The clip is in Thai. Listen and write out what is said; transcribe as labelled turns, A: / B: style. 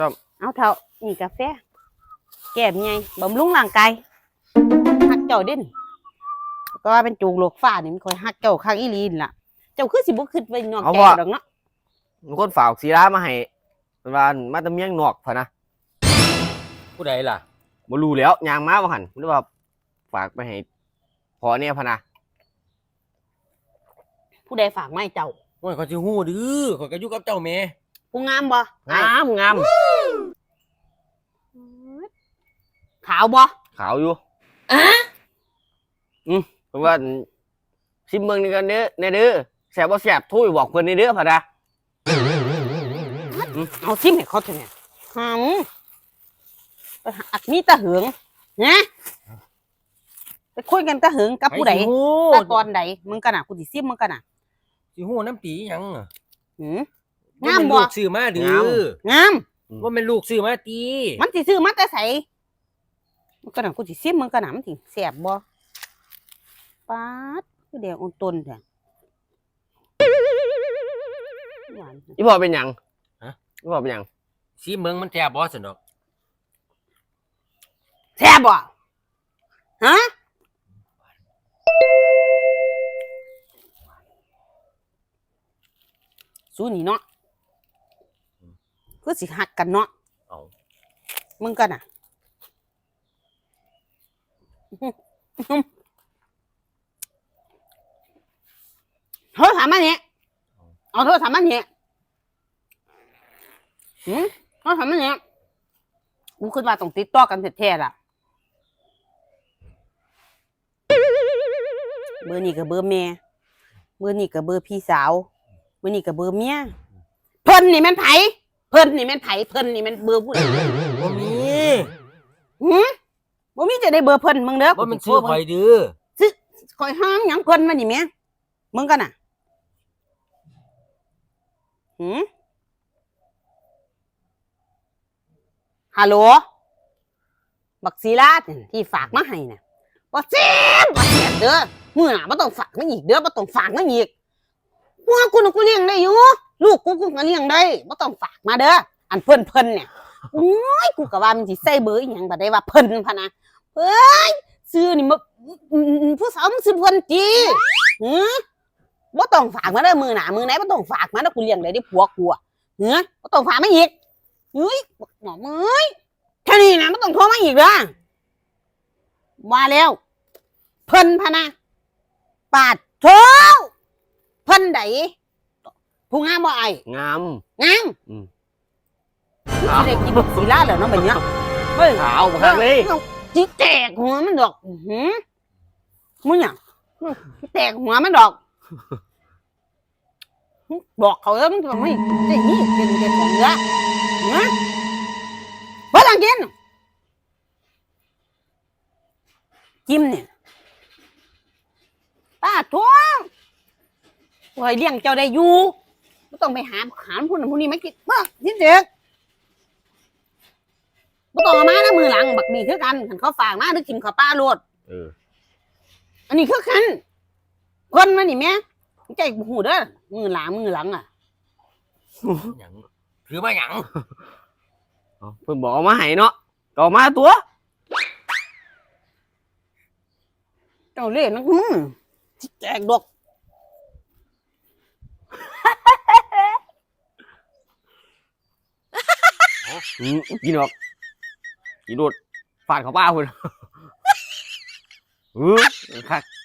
A: เอาเถอะนี่กาแฟแก้มไงบำรุงร่างกายฮักเจ้าเด่นก็ว่าเป็นจูงโลกฟ้านี่มันคอยฮักเจ้าข้างอีลีนล่ะเจ้าคือสิบ่ขึ้นไปนอนแก่ดอกเนาะ
B: มีคนฝากสีร้ามาให้เป็นว่ามาตะเมียงนอกพะนะ
C: ผู้ใดล่ะ
B: บ่รู้แล้วยางมาบ่หันหรือว่าฝากไปให้พอเนี่ยพะนะ
A: ผู้ใดฝากมาให้เจ้า
C: โอ้ยเขาสิฮู้ดื้อข่อยก็อยู่กับเจ้าแม่
A: ผู้งามบ่
B: งาม
A: ขาวบ่
B: ขาวอยู่เพราะว่าชิมเมืองนี่กันเด้อแน่เด้อแซ่บบ่แซ่บทุยบอกเพิ่นนี่เด้อพะนะ
A: เอาชิมให้เขาเถอะเนี่ยอัดมีตะเหืองนะไปคุยกันตะเหืองกับผู้ใดตะตอนใดมึงกันน่ะกูสิซิมมึงกันน่ะ
C: สิฮู้น้ำตีหยัง
A: งามบ่
C: ลูกซื้อมาดื้
A: องาม
C: ว่าเป็นลูกซื้อมาตี
A: มันสิซื้อมาแต่ไสมึงกันน่ะกูสิซิมมึงกันน่ะมันสิแซ่บบ่ป๊าดคือแดงอ่อนต้นแท้
B: อีพ่อเป็นหยังอีพ่อเป็นหยัง
C: สิเมืองมันแซ่บบ่ซั่นดอก
A: แซ่บบ่ฮะสู้นี่เนาะคือสิหักกันเนาะมึงกันน่ะโทรศัพท์มาเนี่ยเอาโทรศัพท์มาเนี่ยโทรศัพท์มาเนี่ยกูคิดว่าต้องติดต่อกันแท้ๆล่ะเบอร์นี่กับเบอร์แม่เบอร์นี่กับเบอร์พี่สาวเบอร์นี่กับเบอร์เมียเพิ่นนี่แม่นไผเพิ่นนี่แม่นไผเพิ่นนี่แม่นเบอร์ผู้ใด
C: บ่มี
A: บ่มีจะได้เบอร์เพิ่นมึงเด้อ
C: บ่มันชื่อข่อยดื้อ
A: ซื้อข่อยห้ามหยังเพิ่นมานี่แม่มึงกันน่ะฮัลโหลบักศิลาที่ฝากมาให้น่ะบ่เสียเด้อมื้อหน้าบ่ต้องฝากมาอีกเด้อบ่ต้องฝากมาอีกพวกกูน่ะกูเลี้ยงได้อยู่ลูกกูก็เลี้ยงได้บ่ต้องฝากมาเด้ออันเพิ่นเนี่ยโอ้ยกูก็ว่ามันสิใส่เบอร์อีหยังบ่ได้ว่าเพิ่นพะนะเฮ้ยซื้อนี่มาผู้สาวมึงซื้อเพิ่นติบ่ต้องฝากมาเด้อมื้อหน้ามื้อไหนบ่ต้องฝากมาเด้อกูเลี้ยงได้ดิผัวกูอ่ะบ่ต้องฝากมาอีกเฮ้ยหมอเอ้ยแค่นี้นะบ่ต้องโทรมาอีกเด้อว่าแล้วเพิ่นพะนะปาดโถเพิ่นใดผู้งามบ่ไอ้
B: งาม
A: สิได้กินศิลาแล้วเนาะบัดเนี้ยเฮ้ย
B: ขาวคักเลย
A: สิแตกหัวมันดอกมึงหยังสิแตกหัวมันดอกบอกเขาแล้วมึงไม่ได้นี่เป็นของเนื้อบ่ต้องกินจิ้มเนี่ยป้าท้วงไว้เลี้ยงเจ้าได้อยู่ไม่ต้องไปหาผู้นั้นผู้นี้ไม่กินนี่เด็กไม่ต้องมานะมือหลังบักดีคือกันขันเขาฝากมาหรือกินข้าวปลาโลดอันนี้คือกันคนมานี่แม่ใจหูเด้อมือหลังอ่ะ
C: หยังถือมาหยัง
B: เพิ่นบอกมาให้เนาะก็มาตัว
A: เจ้าเล่นนักแจกดอก
B: กินออกกินโดดฟาดเขาป้าคุณคัก